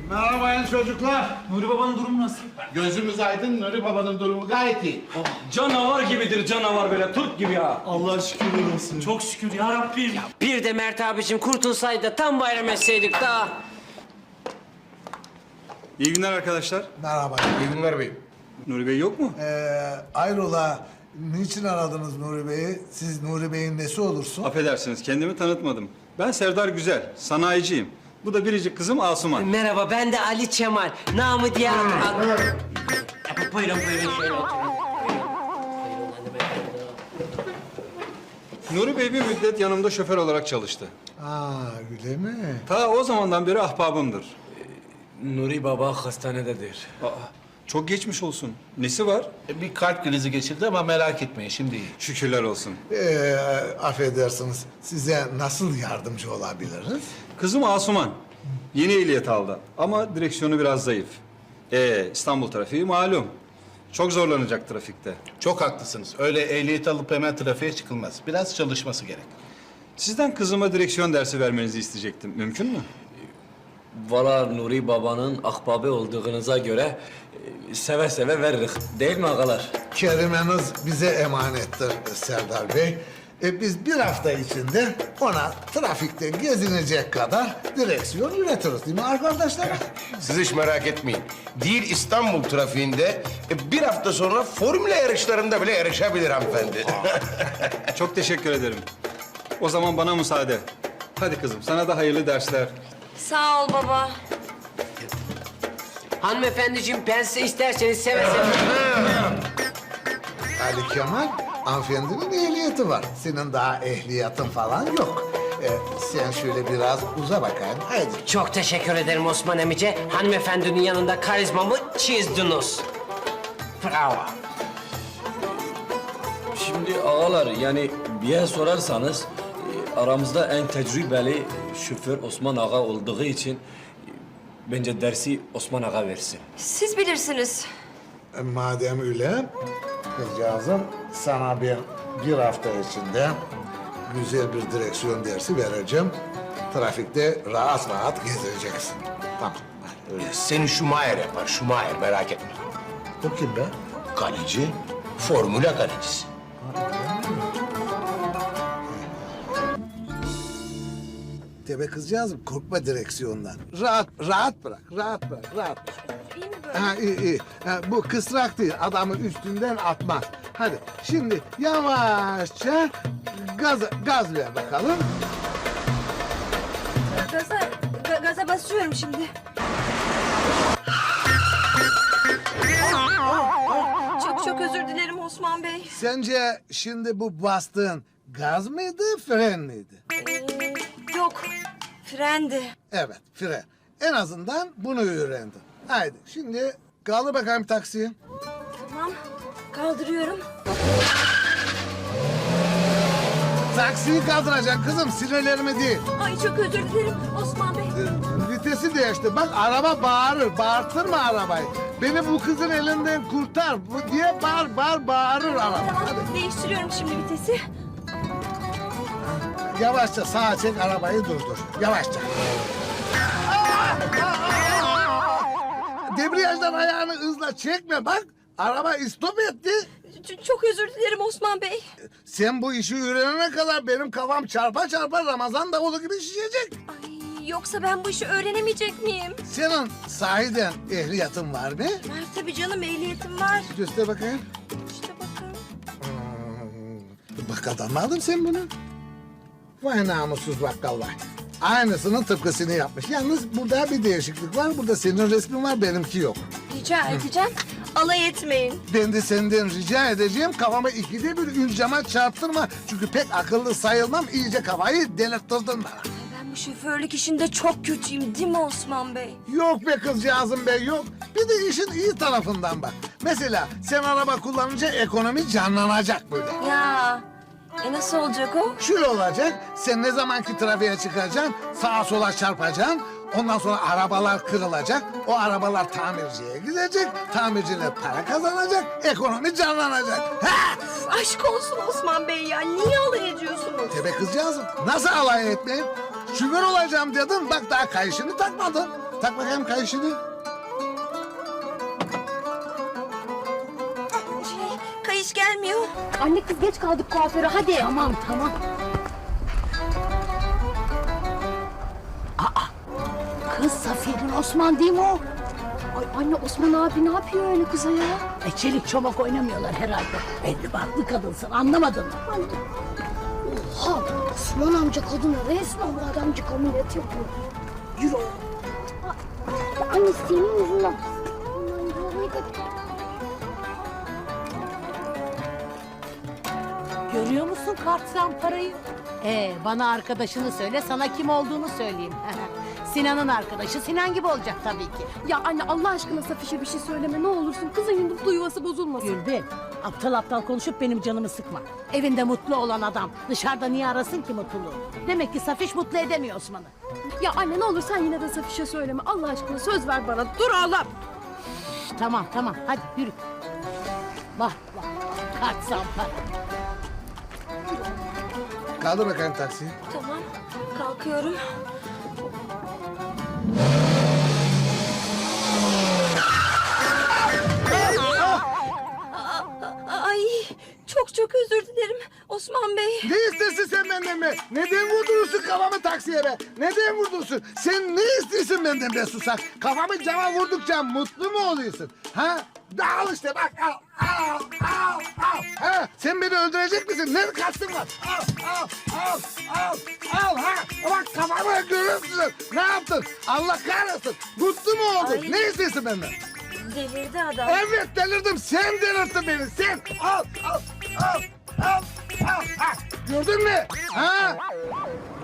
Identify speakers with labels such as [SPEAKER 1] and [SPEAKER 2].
[SPEAKER 1] Merhaba çocuklar.
[SPEAKER 2] Nuri Baba'nın durumu nasıl?
[SPEAKER 1] Gözümüz aydın, Nuri Baba'nın durumu gayet iyi.
[SPEAKER 2] Canavar gibidir canavar böyle Türk gibi ya.
[SPEAKER 3] Allah şükürler olsun.
[SPEAKER 2] Çok şükür ya Rabbim.
[SPEAKER 4] Bir de Mert abicim kurtulsaydı da tam bayram etseydik daha.
[SPEAKER 5] İyi günler arkadaşlar.
[SPEAKER 6] Merhaba.
[SPEAKER 7] İyi günler beyim.
[SPEAKER 5] Nuri Bey yok mu?
[SPEAKER 6] Ayrola, niçin aradınız Nuri Bey'i? Siz Nuri Bey'in nesi olursun?
[SPEAKER 5] Affedersiniz, kendimi tanıtmadım. Ben Serdar Güzel, sanayiciyim. Bu da biricik kızım Asuman.
[SPEAKER 4] Merhaba, ben de Ali Çemal. Namı diğer... Buyurun, şöyle oturun.
[SPEAKER 5] Nuri Bey bir müddet yanımda şoför olarak çalıştı.
[SPEAKER 6] Aa, öyle mi?
[SPEAKER 5] Ta o zamandan beri ahbabımdır.
[SPEAKER 2] Nuri Baba hastanededir.
[SPEAKER 5] Aa, çok geçmiş olsun. Nesi var?
[SPEAKER 1] Bir kalp krizi geçirdi ama merak etmeyin, şimdi iyi.
[SPEAKER 5] Şükürler olsun.
[SPEAKER 6] Affedersiniz, size nasıl yardımcı olabiliriz?
[SPEAKER 5] Kızım Asuman. Yeni ehliyet aldı ama direksiyonu biraz zayıf. İstanbul trafiği malum. Çok zorlanacak trafikte.
[SPEAKER 1] Çok haklısınız. Öyle ehliyet alıp hemen trafiğe çıkılmaz. Biraz çalışması gerek.
[SPEAKER 5] Sizden kızıma direksiyon dersi vermenizi isteyecektim. Mümkün mü?
[SPEAKER 2] Valla Nuri Baba'nın ahbabı olduğunuza göre seve seve veririz. Değil mi ağalar?
[SPEAKER 6] Kerimeniz bize emanettir Serdar Bey. Biz bir hafta içinde ona trafikte gezinecek kadar direksiyon üretiriz değil mi arkadaşlar?
[SPEAKER 7] Siz hiç merak etmeyin. Değil İstanbul trafiğinde bir hafta sonra formüle yarışlarında bile yarışabilir hanımefendi.
[SPEAKER 5] Çok teşekkür ederim. O zaman bana müsaade. Hadi kızım, sana da hayırlı dersler.
[SPEAKER 8] Sağ ol baba.
[SPEAKER 4] Hanımefendiciğim, ben size isterseniz seve seve...
[SPEAKER 6] Ali Kemal, hanımefendinin ehliyeti var. Senin daha ehliyetin falan yok. Sen şöyle biraz uza bakayım. Haydi.
[SPEAKER 4] Çok teşekkür ederim Osman emice. Hanımefendinin yanında karizmamı çizdiniz. Bravo.
[SPEAKER 2] Şimdi ağalar yani bir yer sorarsanız aramızda en tecrübeli şoför Osman Ağa olduğu için bence dersi Osman Ağa versin.
[SPEAKER 8] Siz bilirsiniz.
[SPEAKER 6] Madem öyle, kızcağızım sana bir hafta içinde güzel bir direksiyon dersi vereceğim. Trafikte rahat rahat gezeceksin. Tamam, hadi öyle.
[SPEAKER 7] Seni Schumacher yapar, Schumacher merak etme.
[SPEAKER 6] Bu kim be?
[SPEAKER 7] Kaleci, formüle kalecisi.
[SPEAKER 6] Tebe kızcağızım, korkma direksiyondan. Rahat bırak, rahat bırak.
[SPEAKER 8] İyi mi böyle?
[SPEAKER 6] Ha, iyi. Ha, bu kısrak değil, adamı üstünden atmaz. Hadi, şimdi yavaşça gaz ver bakalım.
[SPEAKER 8] Gaza basıyorum şimdi. Çok özür dilerim Osman Bey.
[SPEAKER 6] Sence şimdi bu bastığın gaz mıydı, fren miydi?
[SPEAKER 8] Yok, frendi.
[SPEAKER 6] Evet, fren. En azından bunu öğrendin. Haydi, şimdi kaldır bakayım taksiyi.
[SPEAKER 8] Tamam, kaldırıyorum.
[SPEAKER 6] Taksiyi kaldıracaksın kızım, sinirlerimi değil.
[SPEAKER 8] Ay çok özür dilerim Osman Bey.
[SPEAKER 6] Vitesi değişti. Bak araba bağırır. Bağırtırma arabayı. Beni bu kızın elinden kurtar. Bu diye bağırır araba.
[SPEAKER 8] Tamam,
[SPEAKER 6] Hadi.
[SPEAKER 8] değiştiriyorum şimdi vitesi.
[SPEAKER 6] Yavaşça sağa çek, arabayı durdur. Yavaşça. Debriyajdan ayağını hızla çekme bak. Araba istop etti.
[SPEAKER 8] Çok özür dilerim Osman Bey.
[SPEAKER 6] Sen bu işi öğrenene kadar benim kafam çarpa çarpa Ramazan davulu gibi şişecek.
[SPEAKER 8] Ay, yoksa ben bu işi öğrenemeyecek miyim?
[SPEAKER 6] Senin sahiden ehliyetin var mı?
[SPEAKER 8] Var tabii canım, ehliyetim var.
[SPEAKER 6] Göster bakayım.
[SPEAKER 8] İşte bakın.
[SPEAKER 6] Bak kazanmadın sen bunu. Vay namussuz bakkal vay. Aynısının tıpkısını yapmış. Yalnız burada bir değişiklik var. Burada senin resmin var, benimki yok.
[SPEAKER 8] Rica edeceğim. Alay etmeyin.
[SPEAKER 6] Ben de senden rica edeceğim kafamı ikide bir ün cama çarptırma. Çünkü pek akıllı sayılmam. İyice kafayı delirttirdin bana.
[SPEAKER 8] Ben bu şoförlük işinde çok kötüyüm değil mi Osman Bey?
[SPEAKER 6] Yok be kızcağızım be yok. Bir de işin iyi tarafından bak. Mesela sen araba kullanınca ekonomi canlanacak böyle.
[SPEAKER 8] Ya nasıl olacak o?
[SPEAKER 6] Şöyle olacak, sen ne zamanki trafiğe çıkacaksın, sağa sola çarpacaksın. Ondan sonra arabalar kırılacak, o arabalar tamirciye gidecek, tamirciler para kazanacak, ekonomi canlanacak. Ha!
[SPEAKER 8] Aşk olsun Osman Bey ya, niye alay ediyorsunuz?
[SPEAKER 6] Tebe kızcağızım, nasıl alay etmeyeyim? Şoför olacağım dedin, bak daha kayışını takmadın. Tak bakayım kayışını.
[SPEAKER 8] Kayış gelmiyor.
[SPEAKER 3] Anne kız geç kaldık kuaföre hadi. Tamam tamam.
[SPEAKER 9] Kız Safiye'nin Osman değil mi o?
[SPEAKER 3] Ay anne Osman abi ne yapıyor öyle kıza ya?
[SPEAKER 9] Çelik çomak oynamıyorlar herhalde. Belli baklı kadınsın anlamadın mı?
[SPEAKER 3] Oha Osman amca kadına resmen bu adamcık ameliyat yapıyor. Yürü oğlum. Ya anne senin yüzünden. Aman yavrum,
[SPEAKER 9] Görüyor musun kartsan parayı? Bana arkadaşını söyle, sana kim olduğunu söyleyeyim. Sinan'ın arkadaşı Sinan gibi olacak tabii ki.
[SPEAKER 3] Ya anne Allah aşkına Safiş'e bir şey söyleme ne olursun. Kızın mutlu yuvası bozulmasın.
[SPEAKER 9] Gülbin, aptal aptal konuşup benim canımı sıkma. Evinde mutlu olan adam dışarıda niye arasın ki mutluluğu? Demek ki Safiş mutlu edemiyor Osman'ı.
[SPEAKER 3] Ya anne ne olur sen yine de Safiş'e söyleme. Allah aşkına söz ver bana. Dur oğlum.
[SPEAKER 9] Tamam tamam hadi yürü. Bak bak kartsan para.
[SPEAKER 6] Kaldır bakayım taksiyi.
[SPEAKER 8] Tamam. Kalkıyorum. Ay çok özür dilerim Osman Bey.
[SPEAKER 6] Ne istersin sen benden be? Neden vurdurursun kafamı taksiye be? Neden vurdurursun? Sen ne istiyorsun benden be susak? Kafamı cama vurdukça mutlu mu oluyorsun? Ha? Al işte bak al. Ha? Sen beni öldürecek misin? Ne kastın var? Al ha. Bak kafamı görürsün. Ne yaptın? Allah kahretsin. Mutlu mu oldun?
[SPEAKER 8] Ay.
[SPEAKER 6] Ne istiyorsun benden?
[SPEAKER 8] Delirdi adam.
[SPEAKER 6] Evet delirdim. Sen delirttin beni. Sen al. Ha. Gördün mü? Ha?